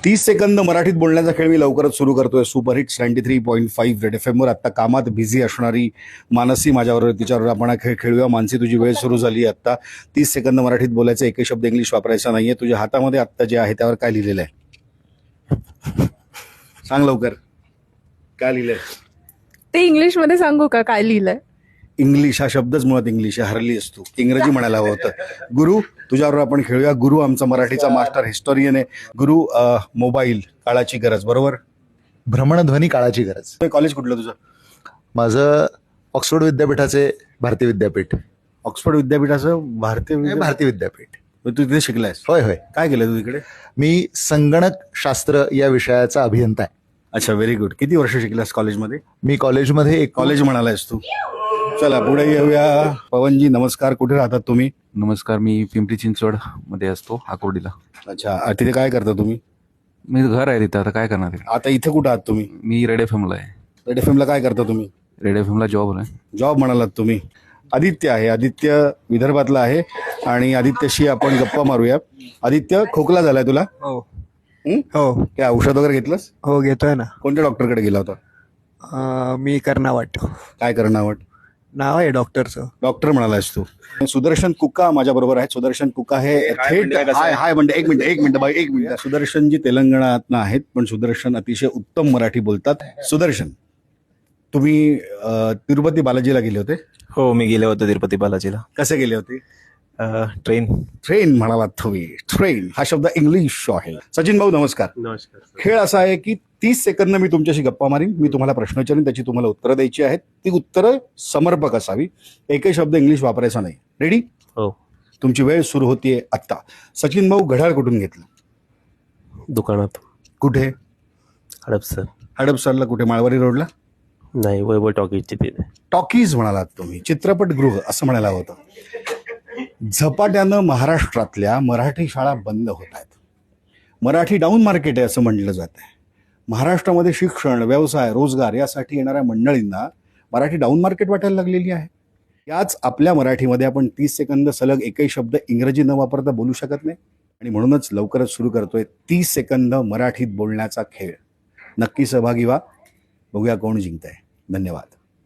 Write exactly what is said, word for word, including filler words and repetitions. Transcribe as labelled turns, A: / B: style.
A: तीस सेकंद मराठीत बोलण्याचा खेळ मी लवकरच सुरू करतोय. Super hits ninety three point five red F एमवर. आत्ता कामात बिझी असणारी मानसी माझ्यावर, तिच्यावर आपण हा खेळ खेळूया. मानसी, तुझी वेळ सुरू झाली. आत्ता तीस सेकंद मराठीत बोलायचं, एकही शब्द इंग्लिश वापरायचा नाहीये. तुझ्या हातामध्ये आत्ता जे आहे त्यावर काय लिहिलेलं आहे सांग लवकर. काय लिहिलंय
B: ते इंग्लिश मध्ये सांगू का काय लिहिलंय?
A: इंग्लिश हा शब्दच मुळात इंग्लिश आहे. हरली असतो, इंग्रजी म्हणायला हवं होतं. गुरु, तुझ्यावर आपण खेळूया. गुरु आमचा मराठीचा मास्टर हिस्टोरियन आहे. गुरु, अ, मोबाईल काळाची गरज, बरोबर?
C: भ्रमणध्वनी काळाची गरज.
A: कॉलेज कुठलं तुझं?
C: माझं ऑक्सफोर्ड विद्यापीठाचे भारतीय विद्यापीठ.
A: ऑक्सफोर्ड विद्यापीठाचं भारतीय
C: हे
A: विद्या-
C: भारतीय विद्यापीठ.
A: तू तिथे शिकलायस?
C: होय होय.
A: काय केलं तू तिकडे?
C: मी संगणक शास्त्र या विषयाचा अभियंता आहे.
A: अच्छा, व्हेरी गुड. किती वर्ष शिकलास कॉलेजमध्ये?
C: मी कॉलेजमध्ये एक
A: कॉलेज म्हणालायस तू. चला पुढे येऊया. पवनजी नमस्कार. कुठे राहतात तुम्ही?
D: नमस्कार, मी पिंपरी चिंचवड मध्ये असतो, आकुर्डीला.
A: अच्छा, अ, तिथे काय करता तुम्ही?
D: मी घर आहे तिथं, आता काय करणार आहे?
A: आता इथे कुठं आहात तुम्ही?
D: मी रेड एफ एमला आहे.
A: रेड एफ एमला काय करता तुम्ही?
D: रेड एफ एमला जॉब आहे.
A: जॉब म्हणालात तुम्ही. आदित्य आहे. आदित्य विदर्भातला आहे आणि आदित्यशी आपण गप्पा मारूया. आदित्य, खोकला झालाय तुला?
E: हो
A: हं?
E: हो
A: काय औषध वगैरे घेतलंस?
E: हो घेतोय ना.
A: कोणत्या डॉक्टरकडे गेला होता?
E: अं, मी कर्नावट
A: काय करणं आवड?
E: नाव आहे डॉक्टरचं.
A: डॉक्टर म्हणालास तू. सुदर्शन कुका माझ्या बरोबर आहे. सुदर्शन कुका हे थेट हाय हाय म्हणते. एक मिनिट एक मिनिट बाई एक मिनिट. सुदर्शन जी तेलंगणातनं आहेत, पण सुदर्शन अतिशय उत्तम मराठी बोलतात. सुदर्शन, तुम्ही अ, तिरुपती बालाजीला गेले होते?
F: हो, मी गेले होते तिरुपती बालाजीला.
A: कसे गेले होते?
F: ट्रेन.
A: ट्रेन म्हणालात तुम्ही. ट्रेन हा शब्द इंग्लिश आहे. सचिन भाऊ नमस्कार.
F: नमस्कार.
A: खेळ असा आहे की तीस सेकंद मी तुमच्याशी गप्पा मारीन. मी तुम्हाला प्रश्न विचारीन, त्याची तुम्हाला उत्तरं द्यायची आहेत. ती उत्तरं समर्पक असावी. एकही शब्द इंग्लिश वापरायचा नाही. रेडी?
F: हो.
A: तुमची वेळ सुरू होतीये आत्ता. सचिन भाऊ, घड्याळ कुठून घेतलं?
F: दुकानात.
A: कुठे?
F: हडपसर.
A: हडपसरला कुठे? माळवारी रोडला?
F: नाही, वैभव टॉकीजची तिथे.
A: टॉकीज म्हणालात तुम्ही. चित्रपटगृह असं म्हणायला होतं. झपाट्यानं महाराष्ट्रातल्या मराठी शाळा बंद होत आहेत. मराठी डाऊन मार्केट आहे असं म्हटलं जात आहे. महाराष्ट्रामध्ये शिक्षण, व्यवसाय, रोजगार यासाठी येणाऱ्या मंडळींना मराठी डाऊन मार्केट वाटायला लागलेली आहे. याच आपल्या मराठीमध्ये आपण तीस सेकंद सलग एकही शब्द इंग्रजी न वापरता बोलू शकत नाही. आणि म्हणूनच लवकरच सुरू करतोय तीस सेकंद मराठीत बोलण्याचा खेळ. नक्की सहभागी व्हा. बघूया कोण जिंकतंय. धन्यवाद.